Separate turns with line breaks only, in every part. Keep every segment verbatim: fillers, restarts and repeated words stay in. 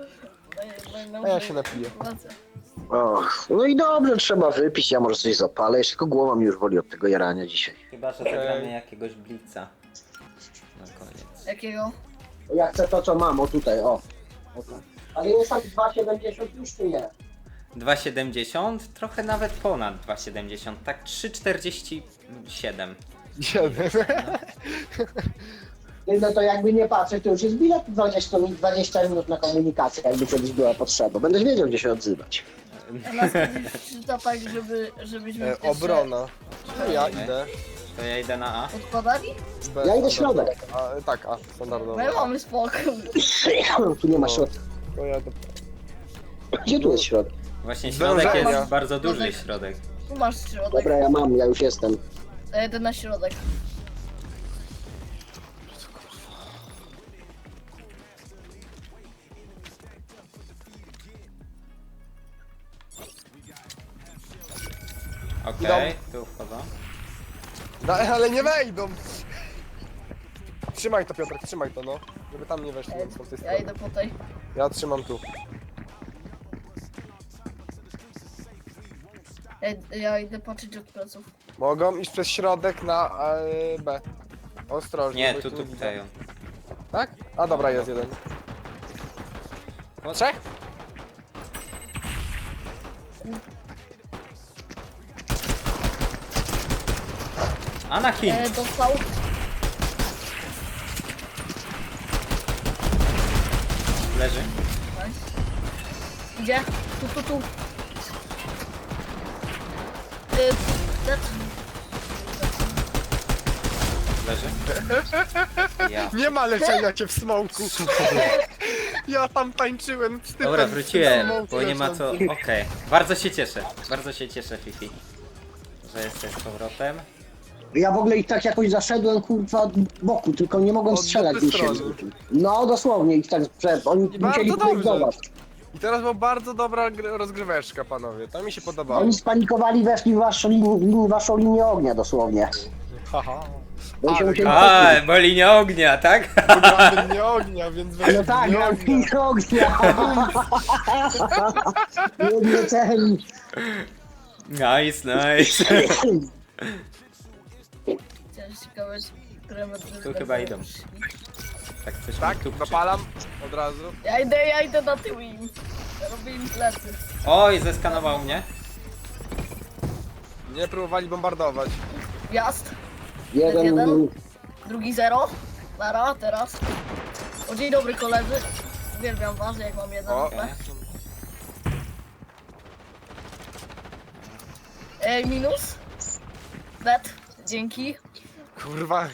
A ja się napiję.
Och, no i dobrze, trzeba wypić, ja może coś zapalę, jeszcze tylko głowa mi już woli od tego jarania dzisiaj.
Chyba, że zagramy jakiegoś blica. Na koniec.
Jakiego?
Ja chcę to, co mam, o tutaj, o. o tak. Ale jest tam dwa siedemdziesiąt już czy nie?
dwa siedemdziesiąt? Trochę nawet ponad dwa siedemdziesiąt. Tak trzy czterdzieści siedem.
Siedem.
No to jakby nie patrzeć, to już jest bilet dwadzieścia minut, dwadzieścia minut na komunikację, jakby kiedyś była potrzeba. Będziesz wiedział, gdzie się odzywać.
A nas kiedyś przeczyta tak, żeby, żebyśmy
E,
pierwsze
obrona. No ja idę.
To ja idę na A.
odkładali?
B,
Ja idę
standardowo.
środek.
A, tak, a, standardowo.
My mamy spokój.
Tu nie ma środka.
To ja do...
Gdzie tu jest środek?
Właśnie środek
Zdążenia.
jest bardzo duży
Środek.
środek.
Tu masz środek.
Dobra, ja mam, ja już jestem.
To jedę na środek.
Okej, tu wchodzą.
Da, ale nie wejdą! Trzymaj to, Piotrek, trzymaj to, no. Żeby tam nie weszli
Ja,
z tej
ja
strony.
idę po tej.
Ja trzymam tu.
Ja, ja idę patrzeć od pleców.
Mogą iść przez środek na e, B. Ostrożnie.
Nie,
bo
tu,
ich
tu,
widzę.
tutaj.
Tak? A dobra, jest jeden. Trzech?
Anakin!
E, dostał.
Leży.
Nice. Idzie. Tu, tu, tu. E, dead.
Leży. Ja.
Nie ma leczenia cię w smoku. Ja tam tańczyłem z tym.
Dobra,
w tym
wróciłem,
smoku
bo nie ma co...
leżącym.
Okej. Bardzo się cieszę. Bardzo się cieszę, Fifi. Że jesteś z powrotem.
Ja w ogóle ich tak jakoś zaszedłem, kurwa, od boku, tylko nie mogłem
Od
strzelać.
dupy
mi się-
strony.
No, dosłownie, ich tak przed. Oni
I
musieli
bardzo dobrze.
próbować.
I teraz była bardzo dobra gr- rozgryweczka, panowie. To mi się podobało.
Oni spanikowali, weszli w waszą, lin- waszą linię ognia, dosłownie.
Haha.
Oni się
Ale
musieli
A, bo linia ognia, tak?
gramy nie ognia, więc weź
No tak,
nie
gram
ognia.
w ognia. Nie, nie celi.
Nice, nice.
Chciałem ciekawe, które metry
Tu
będą
chyba idą.
szli.
Tak coś
Tak,
mi tu
dopalam od razu.
Ja idę, ja idę na tył im. Robię im plecy.
Oj, zeskanował mnie.
Nie próbowali bombardować.
Wjazd.
Jeden,
Jeden. Drugi zero. Nara, teraz. O, dzień dobry koledzy. Uwielbiam was, jak mam jeden
O.
H P. Ej, minus. Dead. Dzięki.
Kurwa.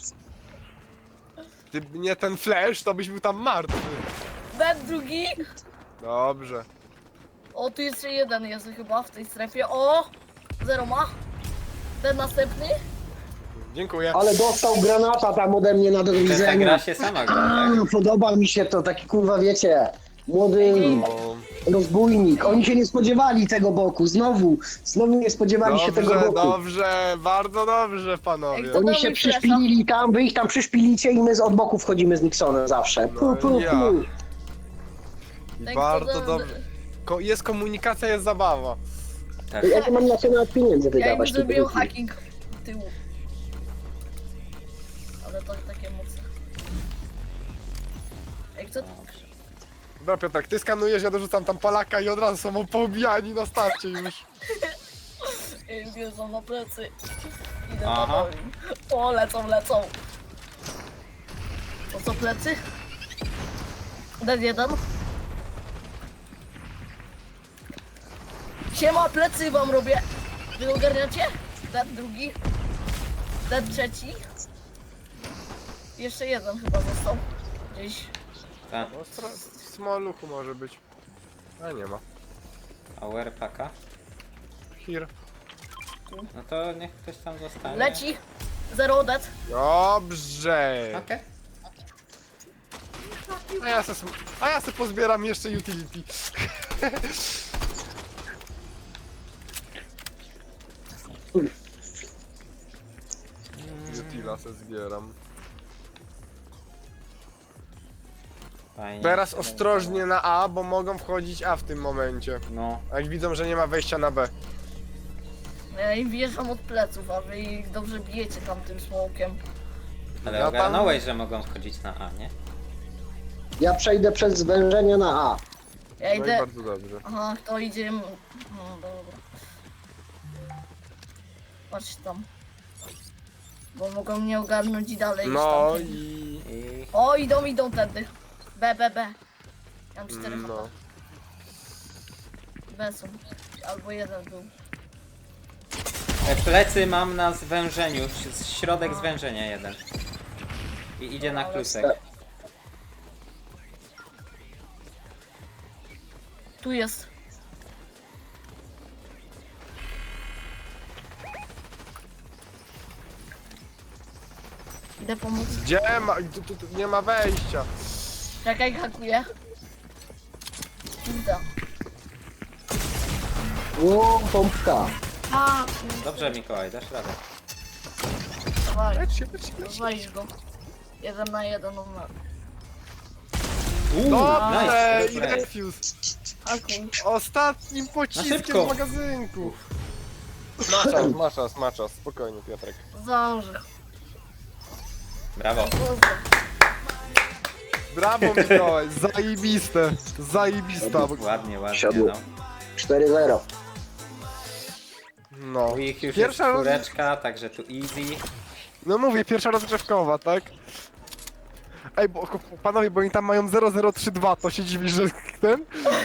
Gdyby nie ten flash, to byś był tam martwy.
Dead drugi.
Dobrze.
O, tu jeszcze jeden jest chyba w tej strefie. O! Zero ma. Ten następny.
Dziękuję.
ale dostał granata tam ode mnie na
Ta gra
widzenia.
się sama gra, tak?
Podoba mi się to, taki kurwa, wiecie, młody
O,
rozbójnik. Oni się nie spodziewali tego boku, znowu, znowu nie spodziewali się tego
dobrze,
boku.
dobrze, bardzo dobrze, panowie.
Ej, to-
Oni
Dał
się
mi flasha.
przyszpilili tam, wy ich tam przyszpilicie i my z od boku wchodzimy z Nixonem zawsze. Pu, pu,
No ja.
pu.
I
Ten,
bardzo
kto-
dobrze. Ko jest komunikacja, jest zabawa.
Tak.
Ja nie mam na co nawet pieniędzy
Ja im
wydawać. tu
zrobiłem
drugi.
hacking tyłu. Ale to takie mocne. Ej, kto...
Dobra, Piotrek, ty skanujesz, ja dorzucam tam Polaka i od razu są poobijani na starcie już.
Ej, wjeżdżam na plecy. Idę
Aha.
na dół. O, lecą, lecą. To co, plecy? Dead jeden. Siema, plecy wam robię. Wy ogarniacie? Dead drugi. Dead trzeci. Jeszcze jeden chyba został. Gdzieś.
Tak.
Ostro, smoluchu może być. A nie ma.
Power paka.
Here.
No to niech ktoś tam zostanie.
Leci. Zero dead.
Dobrze.
Okej.
A ja se, a ja se pozbieram jeszcze utility. Utila se zbieram.
Fajnie.
Teraz ostrożnie na A, bo mogą wchodzić A w tym momencie.
No,
A jak widzą, że nie ma wejścia na B.
Ja im wjeżdżam od pleców, a wy ich dobrze bijecie tam tym smokiem.
ale
Ja tam-
ogarnąłeś, że mogą wchodzić na A, nie?
Ja przejdę przez zwężenie na A.
Ja
No i
idę...
bardzo dobrze.
Aha, kto idzie... No dobra. Patrz tam. Bo mogą mnie ogarnąć i dalej iść
No
tam.
i...
I
O, idą, idą tędy. B, B, B. Ja mam cztery
No.
no. B są. Albo jeden był.
e, plecy mam na zwężeniu, ś- środek zwężenia jeden. I idzie na klusek.
Tu jest. Idę pomóc.
Gdzie ma... Tu, tu, tu nie ma wejścia.
Czekaj, hakuję. Kurde.
O, pompka.
A,
Dobrze, Mikołaj, dasz radę.
dawaj.
Lecz się, lecz się, lecz się.
Zwalisz go. Jeden na jeden numer.
Uuu,
Dobrze,
nice,
i
nice.
defuse.
Hakuj.
Ostatnim
Na
pociskiem
szybko.
z magazynku. Ma czas, ma czas, ma czas. Spokojnie, Piotrek.
Zdążę.
Brawo.
Kurde.
Brawo, Mikołaj, zajebiste. Zajebista.
Ładnie, ładnie,
Siadło.
no.
cztery zero.
No.
U ich już
Pierwsza
jest
roz...
czwóreczka, także tu easy.
No mówię, pierwsza rozgrzewkowa, tak? Ej, bo panowie, bo oni tam mają zero zero trzy dwa, to się dziwi, że ten...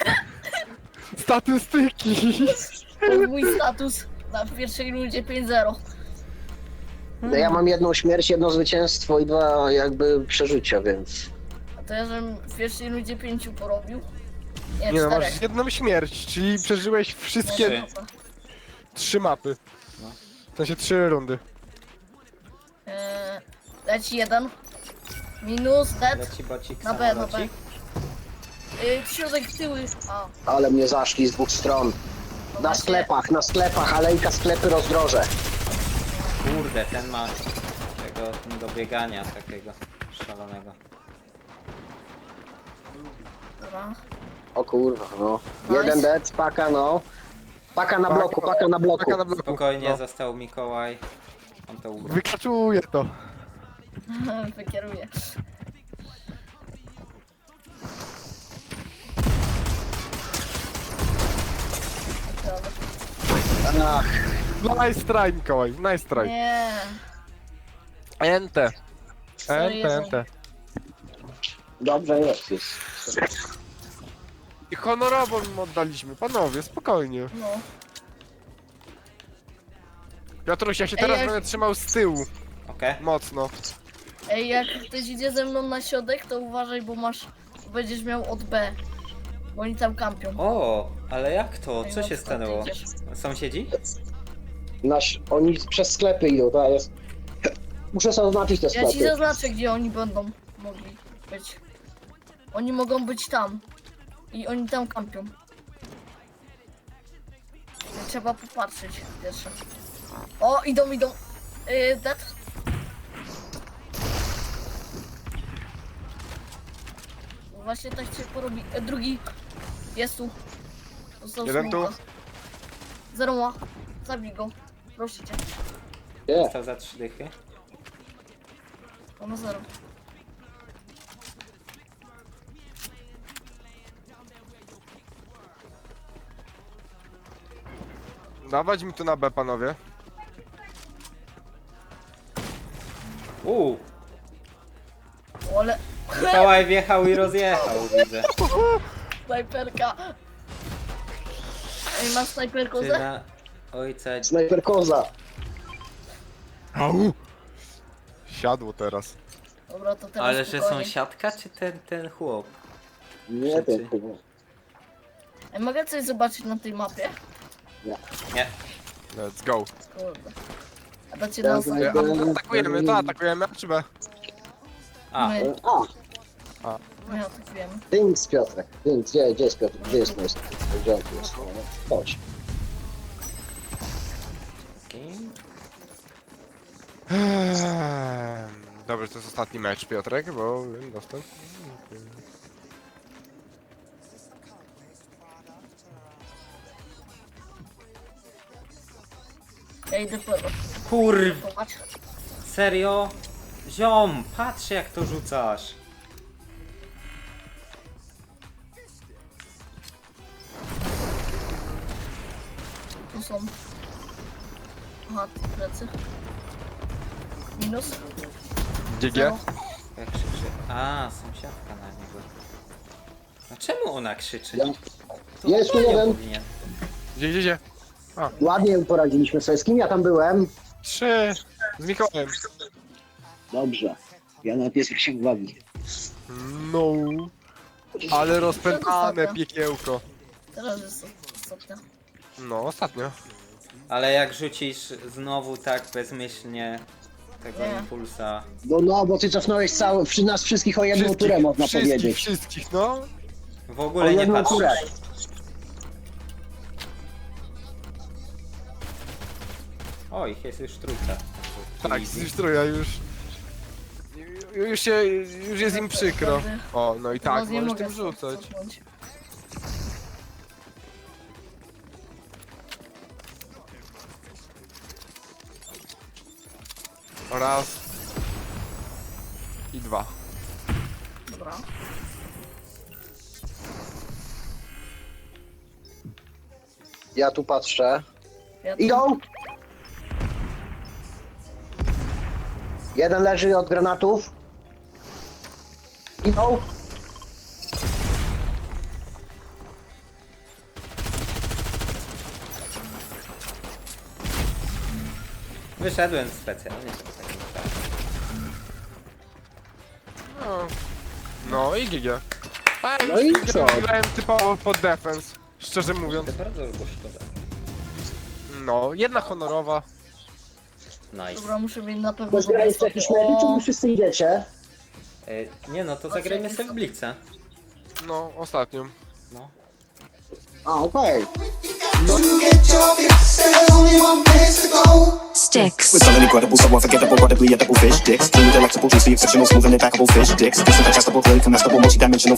Statystyki.
To jest mój status na pierwszej rundzie pięć zero.
No ja mam jedną śmierć, jedno zwycięstwo i dwa jakby przeżycia, więc...
A to ja żebym w pierwszej rundzie pięciu porobił. Nie,
Nie no,
czterech.
masz jedną śmierć, czyli przeżyłeś wszystkie
Nie,
Trzy.
dobra.
trzy mapy.
No.
W sensie trzy rundy.
Eee, leci jeden. Minus, dead.
Leci bocik,
Na B, na B.
samolocik.
Yy, środek tyły. A,
Ale mnie zaszli z dwóch stron.
to
Na
macie-
sklepach, na sklepach, alejka sklepy rozdroże.
Kurde, ten ma tego do biegania takiego szalonego.
Dobra.
O kurwa, no.
Nice.
Jeden dead, paka no. Paka na bloku, paka na bloku.
Paka na bloku.
Spokojnie,
No.
został Mikołaj. On to ugra.
Wykaczuje to.
Wykieruję.
Ach,
Nice try, Mikołaj, nice try.
Nie.
Ente.
Sorry,
Ente,
Jezu.
ente.
dobrze jest. jest.
I honorowo im oddaliśmy, panowie, spokojnie.
No.
Piotruś, ja się
Ej,
teraz
jak-
będę trzymał z tyłu,
Okej?
mocno.
Ej, jak ktoś idzie ze mną na środek, to uważaj, bo masz... Będziesz miał od B. Bo oni tam kampią.
O, ale jak to?
Ej,
Co
no
się
skąd
stanęło?
idziesz?
Sąsiedzi?
Nasz, oni przez sklepy idą, to jest... Muszę sobie oznaczyć te
Ja ci
sklepy.
zaznaczę, gdzie oni będą mogli być. Oni mogą być tam. I oni tam kampią. Trzeba popatrzeć pierwsze. O, idą, idą. Yy, dead. Właśnie tak się porobi. E, drugi. Jest tu. Został
Jeden tu.
smoka. Zero ma. Zabij go. Proszę cię.
Nie,
Został za trzy dychy.
On ma zero.
Dawać mi tu na B, panowie.
Uuu,
O, ale...
Mikołaj wjechał i rozjechał, widzę.
Snajperka. Ej, masz snajperkę
Ty
ze?
na ojca...
snajper koza.
Au! Siadło teraz.
Dobra, to teraz
Ale że
spokojnie.
sąsiadka czy ten, ten chłop?
Nie
Rzeczy.
wiem, chyba.
Ej, mogę coś zobaczyć na tej mapie?
Nie.
Let's go.
Kurde. A dacie
Ja
nas...
wiem.
A, atakujemy, to atakujemy, a czy B?
A,
My,
A,
my atakujemy.
Dings Piotrek. Dings, gdzie, gdzie jest Piotr? Gdzie jest mój Gdzie on tu jest? Chodź.
kim?
Ehm, Dobrze, to jest ostatni mecz, Piotrek, bo wiem, dostęp.
Ja idę po...
Kurw,
Popatrz.
serio? Ziom, patrz jak to rzucasz.
Tu są. Aha, plecy. Minus.
G G.
Zero.
Jak krzyczy. A, sąsiadka na niego. A czemu ona krzyczy? No, to
Jest tu
Antonio
jeden.
powinien.
Gdzie, gdzie, gdzie?
Ładnie poradziliśmy sobie. Z kim ja tam byłem?
Trzy. Z Mikołajem.
Dobrze. Ja na piesek się bawi.
No. Ale rozpętane piekiełko.
Teraz jest ostatnia.
No, ostatnio.
Ale jak rzucisz znowu tak bezmyślnie tego
Nie.
impulsa.
No, no, bo ty cofnąłeś cały, przy nas wszystkich o jedną turę, można
wszystkich,
powiedzieć.
Wszystkich, no.
W
O
ogóle nie
jedną turę.
patrzysz. O, ich jest już trójka.
Tak, z trójka już. Już się, już jest im przykro. O, no i tak,
Teraz nie
możesz
mogę
tym rzucać.
cofnąć.
Raz. I dwa.
Dobra.
Ja tu patrzę.
Ja tu-
Idą! Jeden leży od granatów. Idą.
Wyszedłem specjalnie. żeby tak nie stało.
No, no i G G. A ja
No i
już
co?
grałem typowo pod defense. Szczerze mówiąc.
To bardzo było szkoda.
No, jedna honorowa.
Nice.
Dobra, muszę mieć na pewno...
Bo zgra jeszcze jakiś medyk, czy
O,
wy wszyscy idziecie?
E, nie no, to zagrajmy sobie w Blitza.
No, ostatnią.
No.
A, okej.
Sticks.
With something incredible, so unforgettable, incredibly edible fish sticks. Clean, delectable, juicy, exceptional, smooth and impeccable fish sticks. This is digestible, really comestible, multi-dimensional.